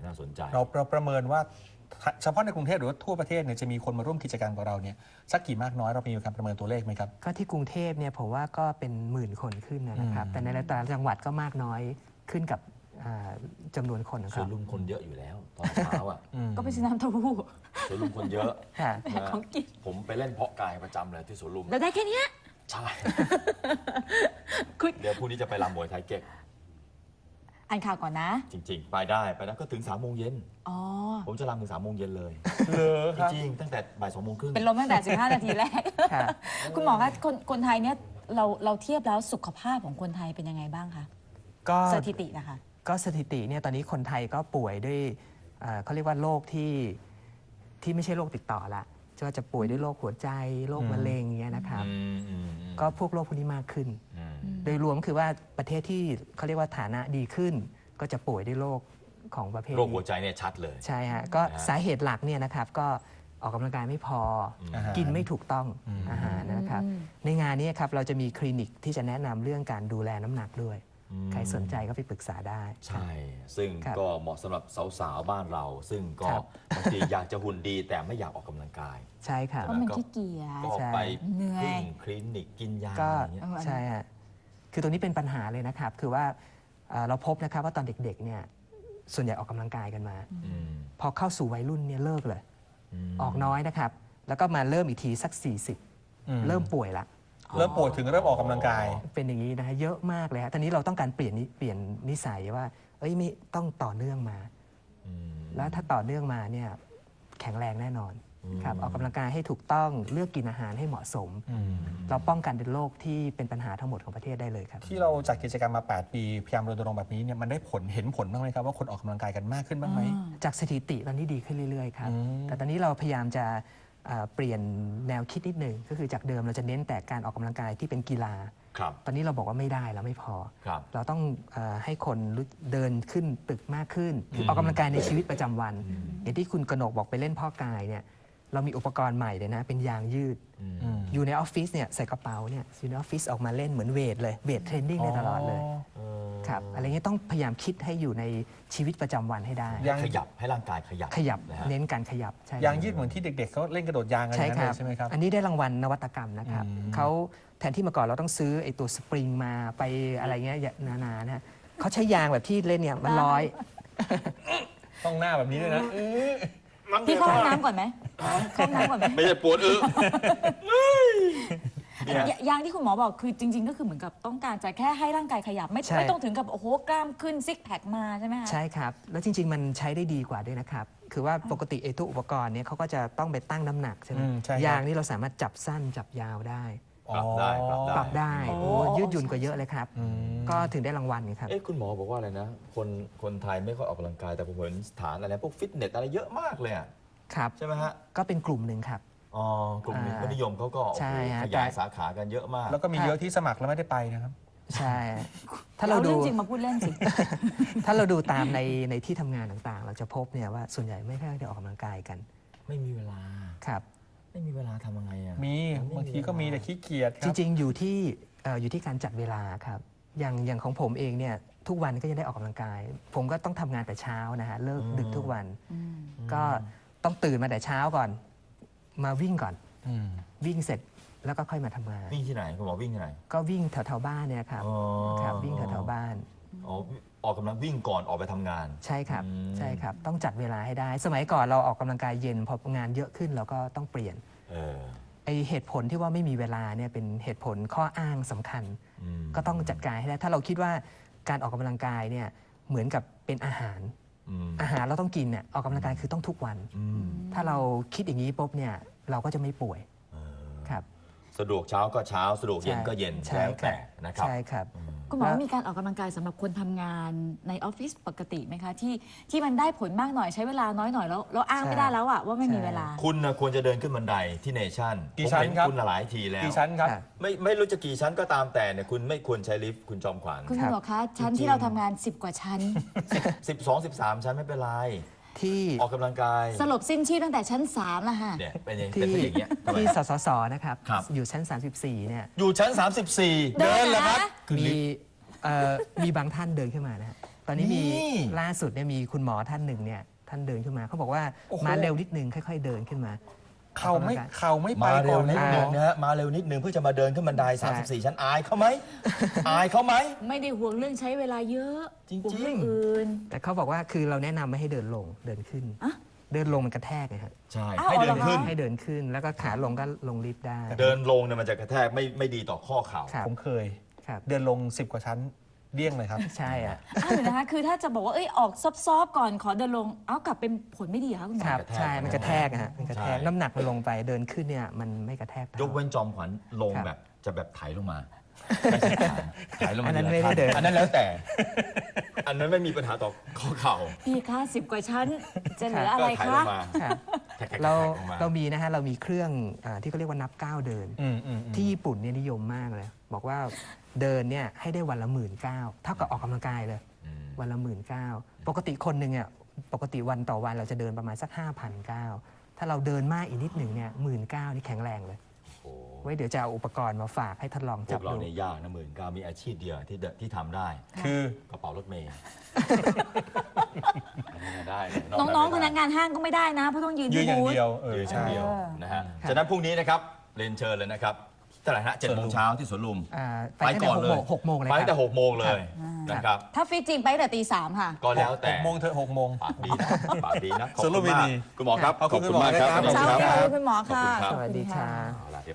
น่าสนใจเราประเมินว่าเฉพาะในกรุงเทพหรือว่าทั่วประเทศเนี่ยจะมีคนมาร่วมกิจกรรมกับเราเนี่ยสักกี่มากน้อยเรามีการประเมินตัวเลขไหมครับก็ที่กรุงเทพเนี่ยผมว่าก็เป็นหมื่นคนขึ้นนะครับแต่ในแต่ละจังหวัดก็มากน้อยขึ้นกับจำนวนคนนะคสรัวบนลุมคนเยอะอยู่แล้วตอนเช้าอ่ะก็ไปซื้อน้ำเต้าหู้สวนลุมคนเยอะค่ะของกินผมไปเล่นเพาะกายประจำเลยที่สวนลุมแล้วได้แค่เนี้ยใช่คุณเดี๋ยวพรุ่งนี้จะไปรำมวยไทยเก๊กอ่านข่าวก่อนนะจริงๆ ไปได้ก็ถึง3 โมงเย็นอ๋อผมจะรำถึง3 โมงเย็นเลยเหรอครับจริงๆตั้งแต่บ่าย2 โมงครึ่งเป็นลมตั้งแต่15 นาทีแรกค่ะคุณหมอคะคนไทยเนี่ยเราเทียบแล้วสุขภาพของคนไทยเป็นยังไงบ้างคะก็สถิตินะคะก็สถิติเนี่ยตอนนี้คนไทยก็ป่วยด้วยเขาเรียกว่าโรคที่ไม่ใช่โรคติดต่อละจะป่วยด้วยโรคหัวใจโรคมะเร็งเงี้ยนะครับก็พวกโรคพวกนี้มากขึ้น โดยรวมคือว่าประเทศที่เขาเรียกว่าฐานะดีขึ้น ก็จะป่วยด้วยโรคของประเภทโรคหัวใจเนี่ยชัดเลยใช่ฮะก็สาเหตุหลักเนี่ยนะครับก็ออกกำลังกายไม่พอกินไม่ถูกต้องอาหารนะครับในงานนี้ครับเราจะมีคลินิกที่จะแนะนำเรื่องการดูแลน้ำหนักด้วยใครสนใจก็ไปปรึกษาได้ใช่ ซึ่งครับก็เหมาะสำหรับสาวๆบ้านเรา ซึ่งก็ครับบางทีอยากจะหุ่นดีแต่ไม่อยากออกกำลังกายใช่ครับเพราะมันขี้เกียจก็ใช่ไปเหนื่อยพึ่งคลินิกกินยาก็อะไรเงี้ยใช่ฮะคือตรงนี้เป็นปัญหาเลยนะครับ คือว่าเราพบนะครับว่าตอนเด็กๆเนี่ยส่วนใหญ่ออกกำลังกายกันมา พอเข้าสู่วัยรุ่นเนี่ยเลิกเลย ออกน้อยนะครับ แล้วก็มาเริ่มอีกทีสัก 40 เริ่มป่วยละเริ่มปวดถึงเริ่มออกกำลังกายเป็นอย่างนี้นะฮะเยอะมากเลยฮะตอนนี้เราต้องการเปลี่ยนนิสัยว่าเอ้ยไม่ต้องต่อเนื่องมา แล้วถ้าต่อเนื่องมาเนี่ยแข็งแรงแน่นอนครับออกกำลังกายให้ถูกต้องเลือกกินอาหารให้เหมาะสม เราป้องกันเป็นโรคที่เป็นปัญหาทั้งหมดของประเทศได้เลยครับที่เราจัดกิจกรรมมา 8 ปีพยายามรณรงค์แบบนี้เนี่ยมันได้เห็นผลบ้างไหมครับว่าคนออกกำลังกายกันมากขึ้นบ้างไหมจากสถิติตอนนี้ดีขึ้นเรื่อยๆครับ แต่ตอนนี้เราพยายามจะเปลี่ยนแนวคิดนิดหนึ่งก็คือจากเดิมเราจะเน้นแต่การออกกำลังกายที่เป็นกีฬาครับตอนนี้เราบอกว่าไม่ได้แล้วไม่พอครับเราต้องให้คนเดินขึ้นตึกมากขึ้นคือออกกำลังกายในชีวิตประจำวัน อย่างที่คุณกนกบอกไปเล่นพ่อกายเนี่ยเรามีอุปกรณ์ใหม่เลยนะเป็นยางยืด อยู่ในออฟฟิศเนี่ยใส่กระเป๋าเนี่ยอยู่ในออฟฟิศออกมาเล่นเหมือนเวทเลยเวทเทรนนิ่งได้ตลอดเลยครับอะไรเงี้ยต้องพยายามคิดให้อยู่ในชีวิตประจำวันให้ได้ยังขยับให้ร่างกายขยับขยับนะฮะเน้นการขยับใช่ยางยืดเหมือนที่เด็กๆเขาเล่นกระโดดยางกันอใช่ย่างคนั้นรัเลยใช่ไหมครับอันนี้ได้รางวัลนวัตกรรมนะครับเขาแทนที่เมื่อก่อนเราต้องซื้อไอ้ตัวสปริงมาไปอะไรเงี้ยนานานะฮะเขาใช้ยางแบบที่เล่นเนี่ยมันร้อยต้องหน้าแบบนี้ด้วยนะพี่เข้าห้องน้ำก่อนไหมเข้าห้องน้ำก่อนไหมไม่ใช่ปวดยางที่คุณหมอบอกคือจริง ๆ ก็คือเหมือนกับต้องการจะแค่ให้ร่างกายขยับใช่ไม่ต้องถึงกับโอ้โหกล้ามขึ้นซิกแพคมาใช่ไหมคะใช่ครับ แล้วจริง ๆ มันใช้ได้ดีกว่าด้วยนะครับ คือว่าปกติไอ้ตัวอุปกรณ์เนี่ยเขาก็จะต้องไปตั้งน้ำหนักใช่ไหมใช่ครับยางนี่เราสามารถจับสั้นจับยาวได้ปรับได้ปรับได้โอ้ยืดหยุ่นกว่าเยอะเลยครับ ก็ถึงได้รางวัลไงครับเอ๊ะคุณหมอบอกว่าอะไรนะ คนไทยไม่ค่อยออกกำลังกายแต่ผมเห็นสถานอะไรพวกฟิตเนสอะไรเยอะมากเลยอะครับใช่ไหมฮะก็เป็นกลุ่มหนึ่งครับอ๋อกลุ่มคนนิยมเขาก็โอ้โหใช่ฮะขยายสาขากันเยอะมากแล้วก็มีเยอะที่สมัครแล้วไม่ได้ไปนะครับใช่ ถ้าเราเราเรื่ดูองจริงมาพูดเล่นสิถ้าเราดูตามในที่ทำงานต่างๆ เราจะพบเนี่ยว่าส่วนใหญ่ไม่ค่อยได้ออกกำลังกายกันไม่มีเวลาครับไม่มีเวลาทำยังไงอะมีบางทีก็มีแต่ขี้เกียจคจรับริงๆอยู่ที่การจัดเวลาครับอย่างของผมเองเนี่ยทุกวันก็ยังได้ออกกำลังกาย ผมก็ต้องทำงานแต่เช้านะฮะเลิกดึกทุกวัน ก็ต้องตื่นมาแต่เช้าก่อน มาวิ่งก่อนวิ่งเสร็จแล้วก็ค่อยมาทำงานวิ่งที่ไหนคุณหมอวิ่งที่ไหนก็วิ่งแถวๆบ้านเนี่ยครับอ๋อครับวิ่งแถวๆบ้านอ๋อออกกำลังวิ่งก่อนออกไปทำงานใช่ครับใช่ครับต้องจัดเวลาให้ได้ สมัยก่อนเราออกกำลังกายเย็นพองานเยอะขึ้นเราก็ต้องเปลี่ยน ไอเหตุผลที่ว่าไม่มีเวลาเนี่ยเป็นเหตุผลข้ออ้างสำคัญ ก็ต้องจัดการให้ได้ ถ้าเราคิดว่าการออกกำลังกายเนี่ยเหมือนกับเป็นอาหารเราต้องกินเนี่ยออกกำลังกายคือต้องทุกวัน ถ้าเราคิดอย่างนี้ปุ๊บเนี่ยเราก็จะไม่ป่วยครับสะดวกเช้าก็เช้าสะดวกเย็นก็เย็นใช่แล้วแต่นะครับใช่ครับคุณหมอมีการออกกำลังกายสำหรับคนทำงานในออฟฟิศปกติไหมคะที่มันได้ผลมากหน่อยใช้เวลาน้อยหน่อยแล้วอ้างไม่ได้แล้วอะว่าไม่มีเวลาคุณนะควรจะเดินขึ้นบันไดที่เนชั่นกี่ชั้นผมเห็นครับคุณหลายทีแล้วกี่ชั้นครับไม่รู้จะกี่ชั้นก็ตามแต่เนี่ยคุณไม่ควรใช้ลิฟต์คุณจอมขวัญคุณหมอคะชั้นที่เราทำงาน10 กว่าชั้น 12 13 ชั้นไม่เป็นไรที่ออกกำลังกายสลบสิ้นชีพตั้งแต่ชั้น3แล้วค่ะเนี่ยเป็นอย่างที่อย่างเงี้ยทำไมที่สสสนะครับครับอยู่ชั้น 34เนี่ยอยู่ชั้น 34 เดินเหรอครับมีบางท่านเดินขึ้นมานะฮะตอนนี้มีนี่ล่าสุดเนี่ยมีคุณหมอท่านหนึ่งเนี่ยท่านเดินขึ้นมาเขาบอกว่าโอ้โหมาเร็วนิดนึงค่อยๆเดินขึ้นมาเข่าไม่ไปมาเร็ก่วอนนิดนะนึงนะฮะมาเร็วนิดนึงเพื่อจะมาเดินขึ้นบันไดใช่ 34 ชั้นอายเขาไหม อายเขาไหมไม่ได้ห่วงเรื่องใช้เวลาเยอะจริงๆห่วงเรื่องอื่นแต่เขาบอกว่าคือเราแนะนำไม่ให้เดินลงเดินขึ้นอะเดินลงมันกระแทกไงฮะใช่อ้าวให้เดินขึ้นให้เดินขึ้นแล้วก็ขาลงก็ลงลิฟต์ได้เดินลงเนี่ยมันจะกระแทกไม่ดีต่อข้อเข่าครับผมเคยครับเดินลง 10 กว่าชั้นเดี้ยงเลยครับใช่อ่ะอ้าวเดี๋ยวนะคะ คือถ้าจะบอกว่าเอ้ยออกซอฟๆก่อนขอเดินลง เอ้ากลับเป็นผลไม่ดีเหรอคะคุณหมอครับใช่มันกระแทกอะฮะมันกระแทกใช่น้ำหนักมันลงไปเดินขึ้นเนี่ยมันไม่กระแทกเท่ายกเว้นจอมขวัญลงครับแบบจะแบบไถลงมาไม่ใช่ไถลงมาอันนั้นทีละไม่ได้เดินขั้อันนั้นแล้วแต่ อันนั้นไม่มีปัญหาต่อข้อเข่าพี่คะ10 กว่าชั้น จะเหลืออะไรก็ไถลคะงมาครับแทกๆๆเราลงมาเรามีนะฮะเรามีเครื่องที่เขาเรียกว่านับก้าวเดิน ที่ญี่ปุ่นเนี่ยนิยมมากเลย บอกว่าเดินเนี่ยให้ได้วันละ19,000เท่ากับออกกำลังกายเลย วันละ19,000ปกติคนหนึ่งเนี่ยปกติวันต่อวันเราจะเดินประมาณสัก 5,900ถ้าเราเดินมากอีกนิดหนึ่งเนี่ย19,000นี่แข็งแรงเลยโอ้ไว้เดี๋ยวจะเอาอุปกรณ์มาฝากให้ทดลองพจัวบกเราดูเนี่ยยากนะ19,000มีอาชีพเดียวที่ทำได้คือกระเป๋ารถเมย์อันนี้ได้เลยน้องๆพไม่นัได้กงานห้างก็ไม่ได้นะ เพราะต้องยืนยืนที่อย่างบูธเดียวยืนอใช่ย่างเดียวเออนะฮะครับฉะนั้นพรุ่งนี้นะครับเรียนเชิญเลยนะครับเท่าไหร่ฮะ7 โมงเช้าที่สวนลุมไปตั้งแต่6 โมงเลยไปคตั้งแต่รับ 6 โมงเลยนะครับถ้าฟิตจริงไปตั้งแต่ตี 3ค่ะก็แล้วแต่ 6 โมงเถอะ6 โมงปากดีนะปากดีนะขอบสรุคุปณมากดีคุณหมอครับขอบคุณคุณหมอมากครับนะครับเช้าขอบนี้ณขอบรับคุณคุณหมอค่ะขอบคุณครับสวัสดีค่ะ